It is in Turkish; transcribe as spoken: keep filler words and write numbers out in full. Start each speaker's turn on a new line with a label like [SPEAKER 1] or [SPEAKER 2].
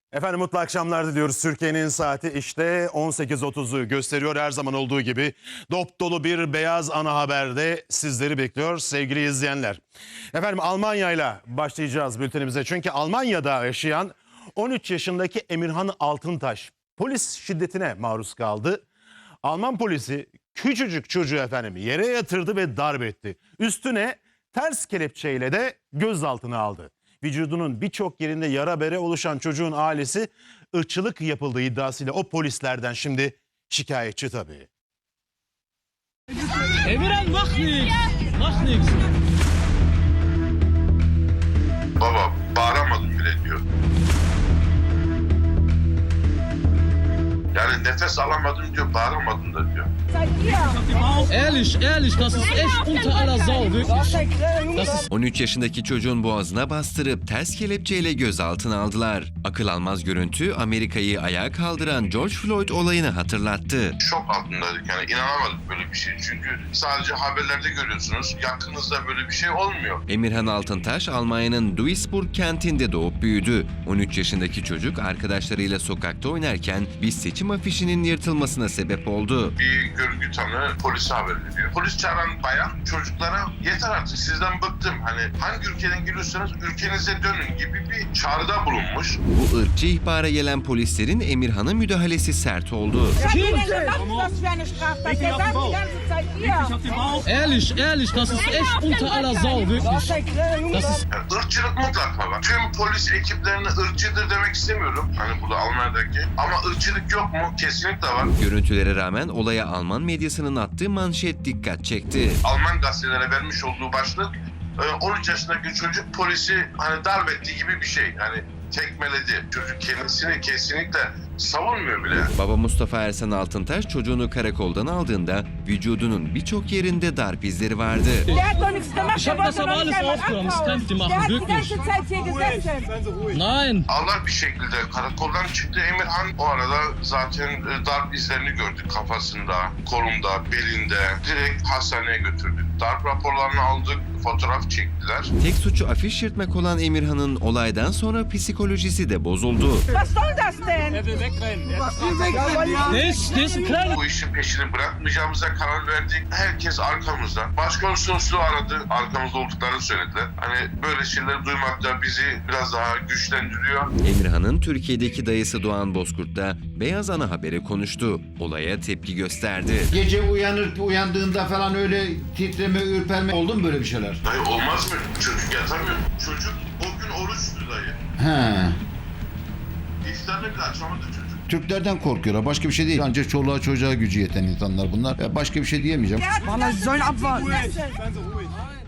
[SPEAKER 1] Efendim mutlu akşamlar diliyoruz. Türkiye'nin saati işte on sekiz otuzu gösteriyor. Her zaman olduğu gibi dop dolu bir beyaz ana haberde sizleri bekliyor sevgili izleyenler. Efendim Almanya ile başlayacağız bültenimize. Çünkü Almanya'da yaşayan on üç yaşındaki Emirhan Altıntaş polis şiddetine maruz kaldı. Alman polisi küçücük çocuğu efendim yere yatırdı ve darp etti. Üstüne ters kelepçeyle de gözaltına aldı. Vücudunun birçok yerinde yara bere oluşan çocuğun ailesi ırkçılık yapıldığı iddiasıyla o polislerden şimdi şikayetçi tabii.
[SPEAKER 2] Emirhan mach nichts. Mach nichts.
[SPEAKER 3] Baba bağıramadım bile diyor. Yani nefes alamadım diyor, bağıramadım da diyor.
[SPEAKER 2] Ehrlich, ehrlich, das ist echt unter aller Sau, wirklich. Das ist
[SPEAKER 4] on üç yaşındaki çocuğun boğazına bastırıp ters kelepçeyle gözaltına aldılar. Akıl almaz görüntü Amerika'yı ayağa kaldıran George Floyd olayını hatırlattı.
[SPEAKER 3] Şok altındaydık yani, inanamadık böyle bir şey. Çünkü sadece haberlerde görüyorsunuz, yakınınızda böyle bir şey olmuyor.
[SPEAKER 4] Emirhan Altıntaş Almanya'nın Duisburg kentinde doğup büyüdü. on üç yaşındaki çocuk arkadaşlarıyla sokakta oynarken bir seçim afişinin yırtılmasına sebep oldu.
[SPEAKER 3] Bir görgü tanığı polise haber veriyor. Polis çağıran bayan çocuklara yeter artık sizden bıktım. Hani hangi ülkeden geliyorsanız ülkenize dönün gibi bir çağrıda bulunmuş.
[SPEAKER 4] Bu ırkçı ihbara gelen polislerin Emirhan'a müdahalesi sert oldu.
[SPEAKER 2] ehrlich, ehrlich, das ist echt unter aller Sau, wirklich. Das ist
[SPEAKER 3] Yani ırkçılık mutlaka var. Tüm polis ekiplerine ırkçıdır demek istemiyorum. Hani burada Almanya'daki. Ama ırkçılık yok mu? Kesinlikle var.
[SPEAKER 4] Görüntülere rağmen olaya Alman medyasının attığı manşet dikkat çekti.
[SPEAKER 3] Alman gazetelere vermiş olduğu başlık on üç yaşındaki çocuk polisi hani darp ettiği gibi bir şey. Yani tekmeledi. Çocuk kendisini kesinlikle savunmuyor bile.
[SPEAKER 4] Baba Mustafa Ersan Altıntaş çocuğunu karakoldan aldığında vücudunun birçok yerinde darp izleri vardı.
[SPEAKER 2] Ich hab das aber alles aufgenommen, das kann ich dir machen, wirklich. Nein.
[SPEAKER 3] Allah bir şekilde karakoldan çıktı Emirhan. O arada zaten e, darp izlerini gördük kafasında, kolunda, belinde. Direkt hastaneye götürdük. Darp raporlarını aldık, fotoğraf çektiler.
[SPEAKER 4] Tek suçu afiş yırtmak olan Emirhan'ın olaydan sonra psikolojisi de bozuldu.
[SPEAKER 5] Was soll das denn?
[SPEAKER 2] Der ist, der ist ein kleiner...
[SPEAKER 3] Bu işin peşini bırakmayacağımıza karar verdik. Herkes arkamızda. Başkonsolosluğu aradı. Arkamızda olduklarını söylediler. Hani böyle şeyleri duymak da bizi biraz daha güçlendiriyor.
[SPEAKER 4] Emirhan'ın Türkiye'deki dayısı Doğan Bozkurt da Beyaz Ana Haber'e konuştu. Olaya tepki gösterdi.
[SPEAKER 6] Gece uyanır uyandığında falan öyle titreme, ürperme oldu mu böyle bir şeyler?
[SPEAKER 3] Dayı olmaz mı? Çocuk yatamıyor. Çocuk o gün oruçtu dayı.
[SPEAKER 6] He.
[SPEAKER 3] İftarını bile açamadı çocuk.
[SPEAKER 6] Türklerden korkuyorlar. Başka bir şey değil. Ancak çoluğa çocuğa gücü yeten insanlar bunlar. Ya başka bir şey diyemeyeceğim.
[SPEAKER 5] Mann, Sie sollen abwarten.